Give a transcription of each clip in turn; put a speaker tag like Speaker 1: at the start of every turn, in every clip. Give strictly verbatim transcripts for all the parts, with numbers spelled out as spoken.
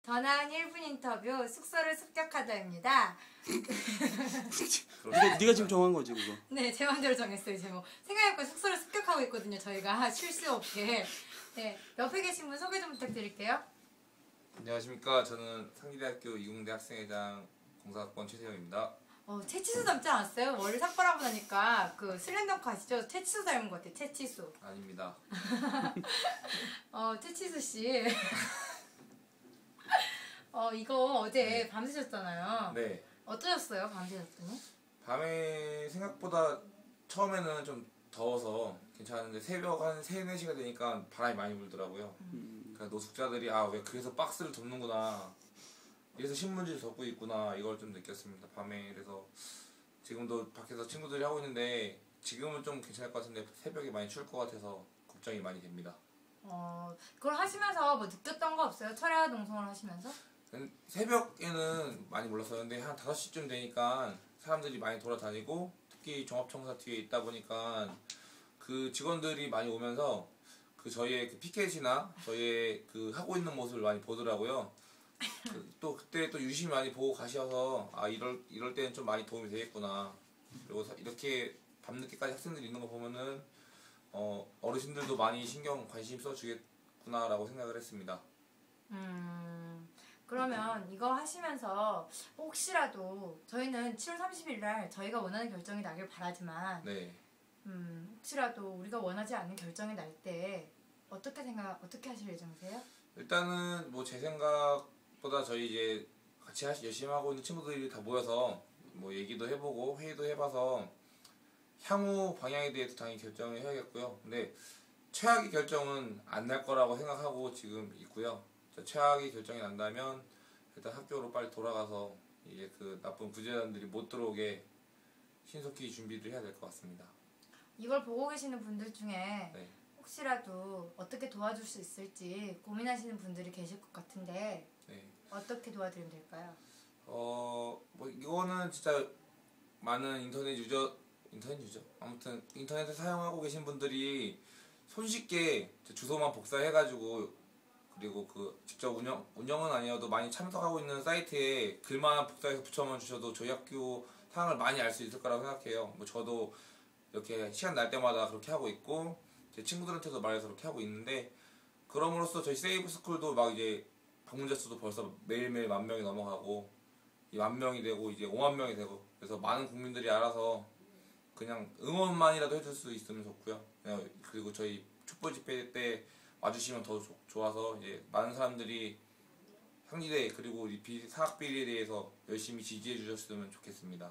Speaker 1: 전화한 일 분 인터뷰 숙소를 습격하다입니다.
Speaker 2: 네가, 네가 지금 정한 거지 그거.
Speaker 1: 네, 제 맘대로 정했어요. 제목. 생각해보니까 숙소를 습격하고 있거든요. 저희가 쉴 수 없게. 네, 옆에 계신 분 소개 좀 부탁드릴게요.
Speaker 3: 안녕하십니까. 저는 상기대학교 이공대 학생회장 공사학번 최세영입니다.
Speaker 1: 어, 채치수 닮지 않았어요? 머리 삭발하고 나니까 그 슬램덩크 아시죠? 채치수 닮은 것 같아요. 채치수.
Speaker 3: 아닙니다.
Speaker 1: 어, 채치수 씨. 어, 이거 어제
Speaker 3: 네.
Speaker 1: 밤새셨잖아요.
Speaker 3: 네.
Speaker 1: 어떠셨어요? 밤새셨더니?
Speaker 3: 밤에 생각보다 처음에는 좀 더워서 괜찮았는데 새벽 한 세, 네 시가 되니까 바람이 많이 불더라고요.
Speaker 2: 음.
Speaker 3: 그러니까 노숙자들이 아, 왜 그래서 박스를 덮는구나. 이래서 신문지를 덮고 있구나. 이걸 좀 느꼈습니다. 밤에. 그래서 지금도 밖에서 친구들이 하고 있는데 지금은 좀 괜찮을 것 같은데 새벽에 많이 추울 것 같아서 걱정이 많이 됩니다.
Speaker 1: 어, 그걸 하시면서 뭐 느꼈던 거 없어요? 철야 동성을 하시면서?
Speaker 3: 새벽에는 많이 몰랐어요. 근데 한 다섯 시쯤 되니까 사람들이 많이 돌아다니고 특히 종합청사 뒤에 있다 보니까 그 직원들이 많이 오면서 그 저희의 그 피켓이나 저희의 그 하고 있는 모습을 많이 보더라고요. 그 또 그때 또 유심히 많이 보고 가셔서 아 이럴 이럴 때는 좀 많이 도움이 되겠구나. 그리고 이렇게 밤늦게까지 학생들이 있는 거 보면은 어 어르신들도 많이 신경 관심 써주겠구나라고 생각을 했습니다.
Speaker 1: 음, 그러면 이거 하시면서 혹시라도 저희는 칠월 삼십일 날 저희가 원하는 결정이 나길 바라지만
Speaker 3: 네.
Speaker 1: 음, 혹시라도 우리가 원하지 않는 결정이 날 때 어떻게 생각, 어떻게 하실 예정이세요?
Speaker 3: 일단은 뭐 제 생각보다 저희 이제 같이 하시, 열심히 하고 있는 친구들이 다 모여서 뭐 얘기도 해보고 회의도 해봐서 향후 방향에 대해서 당연히 결정을 해야겠고요. 근데 최악의 결정은 안 날 거라고 생각하고 지금 있고요. 최악의 결정이 난다면 일단 학교로 빨리 돌아가서 이제 그 나쁜 부재단들이 못 들어오게 신속히 준비를 해야 될 것 같습니다.
Speaker 1: 이걸 보고 계시는 분들 중에
Speaker 3: 네.
Speaker 1: 혹시라도 어떻게 도와줄 수 있을지 고민하시는 분들이 계실 것 같은데
Speaker 3: 네.
Speaker 1: 어떻게 도와드리면 될까요?
Speaker 3: 어, 뭐 이거는 진짜 많은 인터넷 유저, 인터넷 유저? 아무튼 인터넷을 사용하고 계신 분들이 손쉽게 주소만 복사해가지고 그리고 그 직접 운영, 운영은 아니어도 많이 참석하고 있는 사이트에 글만 복사해서 붙여만 주셔도 저희 학교 상황을 많이 알 수 있을 거라고 생각해요. 뭐 저도 이렇게 시간 날 때마다 그렇게 하고 있고 제 친구들한테도 말해서 그렇게 하고 있는데 그럼으로써 저희 세이브 스쿨도 막 이제 방문자 수도 벌써 매일매일 만 명이 넘어가고 이 만 명이 되고 이제 오만 명이 되고 그래서 많은 국민들이 알아서 그냥 응원만이라도 해줄 수 있으면 좋고요. 그냥 그리고 저희 촛불 집회 때 와주시면 더 조, 좋아서 이제 많은 사람들이 상지대 그리고 이 비, 사학 비리에 대해서 열심히 지지해 주셨으면 좋겠습니다.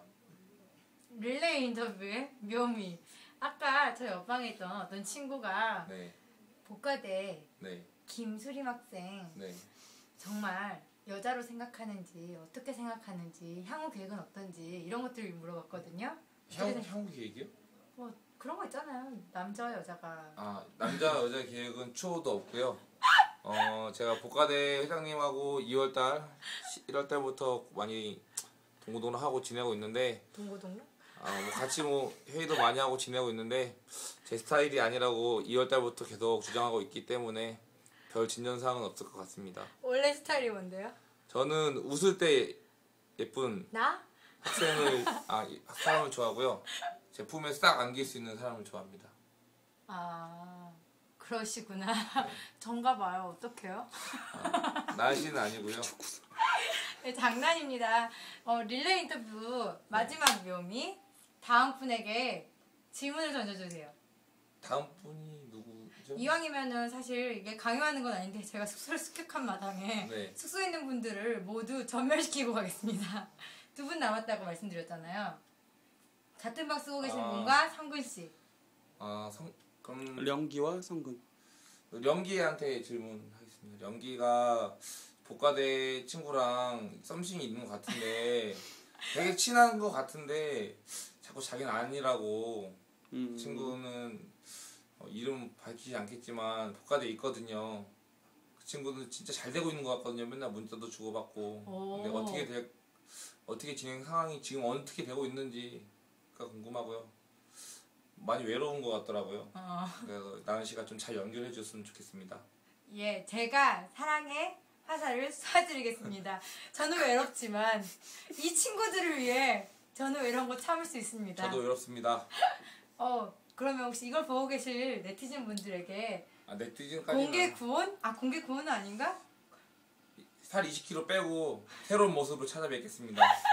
Speaker 1: 릴레이 인터뷰의 묘미. 아까 저 옆방에 있던 어떤 친구가
Speaker 3: 네,
Speaker 1: 복가대
Speaker 3: 네,
Speaker 1: 김수림 학생
Speaker 3: 네.
Speaker 1: 정말 여자로 생각하는지 어떻게 생각하는지 향후 계획은 어떤지 이런 것들을 물어봤거든요.
Speaker 3: 향후, 향후 계획이요?
Speaker 1: 뭐 그런 거 있잖아요. 남자와 여자가.
Speaker 3: 아, 남자 여자 계획은 추호도 없고요. 어, 제가 복가대 회장님하고 이월달, 일월달부터 많이 동고동락하고 지내고 있는데
Speaker 1: 동고동락?
Speaker 3: 아, 뭐 같이 뭐 회의도 많이 하고 지내고 있는데 제 스타일이 아니라고 이월달부터 계속 주장하고 있기 때문에 별 진전사항은 없을 것 같습니다.
Speaker 1: 원래 스타일이 뭔데요?
Speaker 3: 저는 웃을 때 예쁜
Speaker 1: 나?
Speaker 3: 학생을 아 사람을 좋아하고요. 제 품에 싹 안길 수 있는 사람을 좋아합니다.
Speaker 1: 아 그러시구나. 전가 봐요. 어떡해요?
Speaker 3: 아, 날씨는 아니고요.
Speaker 1: 네, 장난입니다. 어, 릴레이 인터뷰 마지막 묘미 다음 분에게 질문을 던져주세요.
Speaker 3: 다음 분이 누구죠?
Speaker 1: 이왕이면은 사실 이게 강요하는 건 아닌데 제가 숙소를 습격한 마당에
Speaker 3: 네.
Speaker 1: 숙소에 있는 분들을 모두 전멸시키고 가겠습니다. 두 분 남았다고 말씀드렸잖아요. 같은 방 쓰고 계신
Speaker 3: 아.
Speaker 1: 분과 성근 씨.
Speaker 3: 아, 성, 그럼
Speaker 2: 령기와 성근.
Speaker 3: 령기한테 질문하겠습니다. 령기가 복가대 친구랑 썸씽이 있는 것 같은데 되게 친한 것 같은데 자꾸 자기는 아니라고
Speaker 2: 음.
Speaker 3: 친구는 어, 이름 밝히지 않겠지만 복가대에 있거든요. 그 친구는 진짜 잘 되고 있는 것 같거든요. 맨날 문자도 주고받고. 근데
Speaker 1: 오.
Speaker 3: 어떻게 되, 어떻게 진행 상황이 지금 어떻게 되고 있는지가 궁금하고요. 많이 외로운 것 같더라고요.
Speaker 1: 어.
Speaker 3: 그래서 나은 씨가 좀 잘 연결해 줬으면 좋겠습니다.
Speaker 1: 예, 제가 사랑에 화살을 쏴드리겠습니다. 저는 외롭지만 이 친구들을 위해 저는 이런 거 참을 수 있습니다.
Speaker 3: 저도 외롭습니다.
Speaker 1: 어 그러면 혹시 이걸 보고 계실 네티즌 분들에게
Speaker 3: 아, 네티즌까지는
Speaker 1: 공개 구원? 아 공개 구원은 아닌가?
Speaker 3: 살 이십 킬로그램 빼고 새로운 모습으로 찾아뵙겠습니다.